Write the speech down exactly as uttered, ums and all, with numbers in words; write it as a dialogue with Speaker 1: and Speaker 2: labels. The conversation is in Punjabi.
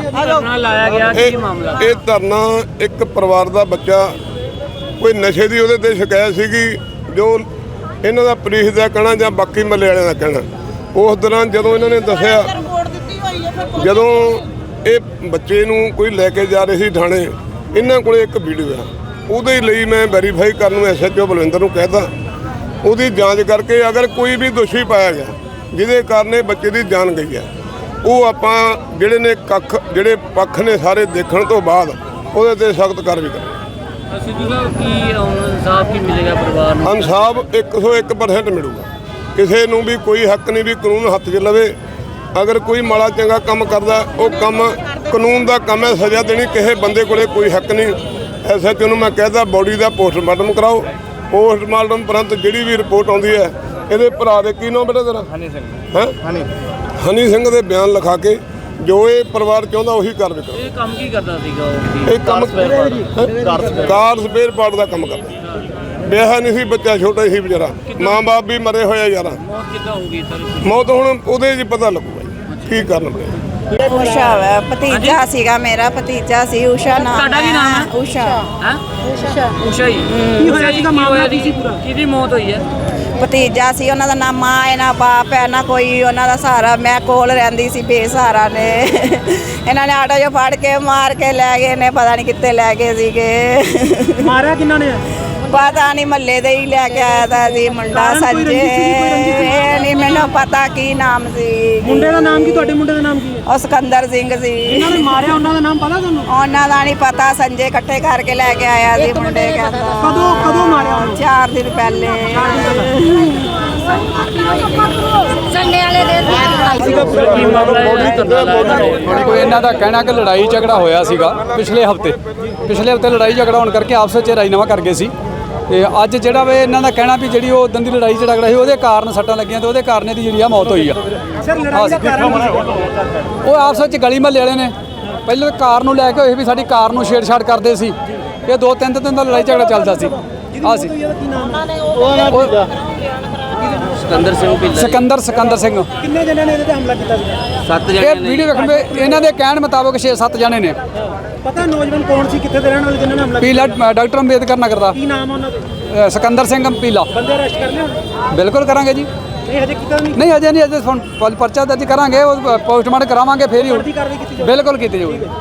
Speaker 1: ਧਰਨਾ ਲਾਇਆ ਗਿਆ ਕੀ ਮਾਮਲਾ?
Speaker 2: ਇਹ ਧਰਨਾ ਇੱਕ ਪਰਿਵਾਰ ਦਾ ਬੱਚਾ ਕੋਈ ਨਸ਼ੇ ਦੀ ਉਹਦੇ ਤੇ ਸ਼ਿਕਾਇਤ ਸੀਗੀ, ਜੋ ਇਹਨਾਂ ਦਾ ਪੁਲਿਸ ਦਾ ਕਹਿਣਾ ਜਾਂ ਬਾਕੀ ਮਹੱਲੇ ਵਾਲਿਆਂ ਦਾ ਕਹਿਣਾ। ਉਸ ਦੌਰਾਨ ਜਦੋਂ ਇਹਨਾਂ ਨੇ ਦੱਸਿਆ, ਜਦੋਂ ਇਹ ਬੱਚੇ ਨੂੰ ਕੋਈ ਲੈ ਕੇ ਜਾ ਰਹੇ ਸੀ ਥਾਣੇ, ਇਹਨਾਂ ਕੋਲੇ ਇੱਕ ਵੀਡੀਓ ਆ, ਉਹਦੇ ਲਈ ਮੈਂ ਵੈਰੀਫਾਈ ਕਰਨ ਨੂੰ ਐਸ ਐਚ ਓ ਬਲਵਿੰਦਰ ਨੂੰ ਕਹਿਤਾ, ਉਹਦੀ ਜਾਂਚ ਕਰਕੇ ਅਗਰ ਕੋਈ ਵੀ ਦੋਸ਼ੀ ਪਾਇਆ ਗਿਆ ਜਿਹਦੇ ਕਾਰਨ ਇਹ ਬੱਚੇ ਦੀ ਜਾਨ ਗਈ ਹੈ, ਉਹ ਆਪਾਂ ਜਿਹੜੇ ਨੇ ਕੱਖ ਜਿਹੜੇ ਪੱਖ ਨੇ ਸਾਰੇ ਦੇਖਣ ਤੋਂ ਬਾਅਦ ਉਹਦੇ ਤੇ ਸਖਤ ਕਾਰਵਾਈ ਕਰਾਂਗੇ।
Speaker 1: ਸਿੱਧੂ ਸਾਹਿਬ ਕੀ ਇਨਸਾਫ ਕੀ ਮਿਲੇਗਾ ਪਰਿਵਾਰ ਨੂੰ?
Speaker 2: ਇਨਸਾਫ ਇੱਕ ਸੌ ਇੱਕ ਪਰਸੈਂਟ ਮਿਲੂਗਾ। ਕਿਸੇ ਨੂੰ ਵੀ ਕੋਈ ਹੱਕ ਨਹੀਂ ਵੀ ਕਾਨੂੰਨ ਹੱਥ 'ਚ ਲਵੇ। ਅਗਰ ਕੋਈ ਮਾੜਾ ਚੰਗਾ ਕੰਮ ਕਰਦਾ, ਉਹ ਕੰਮ ਕਾਨੂੰਨ ਦਾ ਕੰਮ ਹੈ, ਸਜ਼ਾ ਦੇਣੀ। ਕਿਸੇ ਬੰਦੇ ਕੋਲੇ ਕੋਈ ਹੱਕ ਨਹੀਂ। ਐਸ ਐਚ ਓ ਨੂੰ ਮੈਂ ਕਹਿਦਾ ਬੋਡੀ ਦਾ ਪੋਸਟਮਾਰਟਮ ਕਰਾਓ। ਪੋਸਟਮਾਰਟਮ ਉਪਰੰਤ ਜਿਹੜੀ ਵੀ ਰਿਪੋਰਟ ਆਉਂਦੀ ਹੈ, ਇਹਦੇ ਭਰਾ ਦੇ ਕੀ ਨਾਮ ਬੇਟਾ ਤੇਰਾ? ਹਨੀ ਸਿੰਘ। ਹੈ ਹਨੀ ਹਨੀ ਸਿੰਘ ਦੇ ਬਿਆਨ ਲਿਖਾ ਕੇ ਜੋ ਇਹ ਪਰਿਵਾਰ ਚਾਹੁੰਦਾ ਉਹੀ ਕਾਰਵਾਈ ਕਰੋ।
Speaker 1: ਇਹ ਕੰਮ ਕੀ ਕਰਦਾ ਸੀਗਾ ਉਹ?
Speaker 2: ਇਹ ਕੰਮ ਕਾਰ ਸਪੇਅਰ ਪਾਰਟ ਦਾ ਕੰਮ ਕਰਦਾ। ਵਿਆਹ ਨਹੀਂ ਸੀ, ਬੱਚਾ ਛੋਟਾ ਸੀ ਵਿਚਾਰਾ, ਮਾਂ ਬਾਪ ਵੀ ਮਰੇ ਹੋਏ ਆ ਯਾਰਾ।
Speaker 1: ਮੌਤ ਕਿੱਦਾਂ ਹੋਊਗੀ ਸਰ?
Speaker 2: ਮੌਤ ਹੁਣ ਉਹਦੇ 'ਚ ਪਤਾ ਲੱਗੂਗਾ ਕੀ ਕਰਨ ਪਿਆ।
Speaker 3: ਉਸ਼ਾ ਵਾ ਭਤੀਜਾ ਸੀਗਾ, ਮੇਰਾ ਭਤੀਜਾ ਸੀ। ਉਸ਼ਾ ਨਾਮ।
Speaker 1: ਤੁਹਾਡਾ ਕੀ ਨਾਮ ਹੈ?
Speaker 3: ਉਸ਼ਾ।
Speaker 1: ਹੈ ਉਸ਼ਾ। ਉਸ਼ਾ ਹੀ ਕੀ ਹੋਇਆ ਸੀਗਾ ਮਾਮਲਾ? ਸੀ ਪੂਰਾ ਕਿਹਦੀ ਮੌਤ ਹੋਈ ਹੈ?
Speaker 3: ਭਤੀਜਾ ਸੀ, ਉਹਨਾਂ ਦਾ ਨਾ ਮਾਂ ਹੈ ਨਾ ਬਾਪ ਹੈ ਨਾ ਕੋਈ ਉਹਨਾਂ ਦਾ ਸਹਾਰਾ। ਮੈਂ ਕੋਲ ਰਹਿੰਦੀ ਸੀ, ਬੇਸਹਾਰਾ ਨੇ ਇਹਨਾਂ ਨੇ ਆਟੋ 'ਚੋਂ ਫੜ ਕੇ ਮਾਰ ਕੇ ਲੈ ਗਏ ਨੇ, ਪਤਾ ਨਹੀਂ ਕਿੱਥੇ ਲੈ ਗਏ ਸੀਗੇ।
Speaker 4: ਮਾਰਿਆ ਕਿੰਨਾਂ ਨੇ?
Speaker 3: ਪਤਾ ਨਹੀਂ, ਮਹੱਲੇ ਦੇ ਹੀ ਲੈ ਕੇ ਆਇਆ ਤਾਂ ਸੀ ਮੁੰਡਾ ਸੰਜੇ। ਇਹ ਨਹੀਂ ਮੈਨੂੰ ਪਤਾ ਕੀ ਨਾਮ ਸੀ।
Speaker 4: ਮੁੰਡੇ ਦਾ ਨਾਮ ਕੀ? ਤੁਹਾਡੇ ਮੁੰਡੇ ਦਾ ਨਾਮ ਕੀ ਹੈ?
Speaker 3: ਉਹ ਸਿਕੰਦਰ ਸਿੰਘ ਸੀ।
Speaker 4: ਇਹਨਾਂ ਨੇ ਮਾਰਿਆ, ਉਹਨਾਂ ਦਾ ਨਾਮ ਪਤਾ ਤੁਹਾਨੂੰ?
Speaker 3: ਉਹਨਾਂ ਦਾ ਨਹੀਂ ਪਤਾ। ਸੰਜੇ ਇਕੱਠੇ ਕਰਕੇ ਲੈ ਕੇ ਆਇਆ ਸੀ ਮੁੰਡੇ।
Speaker 4: ਕਦੋਂ ਕਦੋਂ ਮਾਰਿਆ ਉਹਨੂੰ?
Speaker 3: ਚਾਰ ਦਿਨ ਪਹਿਲੇ।
Speaker 5: ਸੰਡੇ ਵਾਲੇ
Speaker 1: ਕੀ ਮਾਮਲਾ ਹੈ? ਧਰਨਾ ਲਾਇਆ
Speaker 6: ਕੋਈ ਇਹਨਾਂ ਦਾ ਕਹਿਣਾ ਕਿ ਲੜਾਈ ਝਗੜਾ ਹੋਇਆ ਸੀਗਾ ਪਿਛਲੇ ਹਫਤੇ ਪਿਛਲੇ ਹਫਤੇ ਲੜਾਈ ਝਗੜਾ ਹੋਣ ਕਰਕੇ ਆਪਸ ਵਿੱਚ ਰਾਜੀਨਾਮਾ ਕਰ ਗਏ ਸੀ। ਤੇ ਅੱਜ ਜਿਹੜਾ ਵੇ ਇਹਨਾਂ ਦਾ ਕਹਿਣਾ ਵੀ ਜਿਹੜੀ ਉਹ ਉਦੋਂ ਦੀ ਲੜਾਈ ਝਗੜਾ ਸੀ ਉਹਦੇ ਕਾਰਨ ਸੱਟਾਂ ਲੱਗੀਆਂ ਤੇ ਉਹਦੇ ਕਾਰਨ ਇਹਦੀ ਜਿਹੜੀ ਆ ਮੌਤ ਹੋਈ ਆ। ਉਹ ਆਪਸ ਵਿੱਚ ਗਲੀ ਮਹੱਲੇ ਵਾਲੇ ਨੇ ਪਹਿਲਾਂ ਕਾਰ ਨੂੰ ਲੈ ਕੇ ਹੋਏ ਵੀ ਸਾਡੀ ਕਾਰ ਨੂੰ ਛੇੜਛਾੜ ਕਰਦੇ ਸੀ। ਇਹ ਦੋ ਤਿੰਨ ਦਿਨ ਦਾ ਲੜਾਈ ਝਗੜਾ ਚੱਲਦਾ ਸੀ। ਆ ਸੀ
Speaker 1: ਸਿਕੰਦਰ ਸਿੰਘ ਭਿੱਲਾ।
Speaker 6: ਸਿਕੰਦਰ ਸਿਕੰਦਰ ਸਿੰਘ।
Speaker 4: ਕਿੰਨੇ ਜਣਿਆਂ ਨੇ ਇਹਦੇ ਤੇ ਹਮਲਾ ਕੀਤਾ ਸੀ?
Speaker 1: ਸੱਤ
Speaker 6: ਇਹ
Speaker 1: ਜਣੇ ਨੇ।
Speaker 6: ਵੀਡੀਓ ਵੇਖਣ ਵੇ ਇਹਨਾਂ ਦੇ ਕਹਿਣ ਮੁਤਾਬਕ ਛੇ ਸੱਤ ਜਣੇ ਨੇ।
Speaker 4: ਪਤਾ ਨੌਜਵਾਨ ਕੌਣ ਸੀ, ਕਿੱਥੇ ਦੇ ਰਹਿਣ ਵਾਲੇ ਜਿਨ੍ਹਾਂ ਨੇ ਹਮਲਾ ਕੀਤਾ?
Speaker 6: ਪੀਲਾ ਡਾਕਟਰ ਅੰਬੇਦਕਰ ਨਗਰ ਦਾ।
Speaker 4: ਕੀ ਨਾਮ ਆ ਉਹਨਾਂ ਦੇ?
Speaker 6: ਅ, ਸਿਕੰਦਰ ਸਿੰਘ ਪੀਲਾ।
Speaker 4: ਬੰਦੇ ਅਰੈਸਟ ਕਰ ਲਿਆ ਹੁਣ?
Speaker 6: ਬਿਲਕੁਲ ਕਰਾਂਗੇ ਜੀ।
Speaker 4: ਇਹ ਹਜੇ ਕੀਤਾ ਨਹੀਂ?
Speaker 6: ਨਹੀਂ ਅਜੇ ਨਹੀਂ, ਅਜੇ ਪਰਚਾ ਦਰਜ ਕਰਾਂਗੇ, ਉਹ ਪੋਸਟਮਾਰਟਮ ਕਰਾਵਾਂਗੇ, ਫੇਰ ਹੀ
Speaker 4: ਕਾਰਵਾਈ ਕੀਤੀ
Speaker 6: ਬਿਲਕੁਲ ਕੀਤੀ ਜਾਊਗੀ।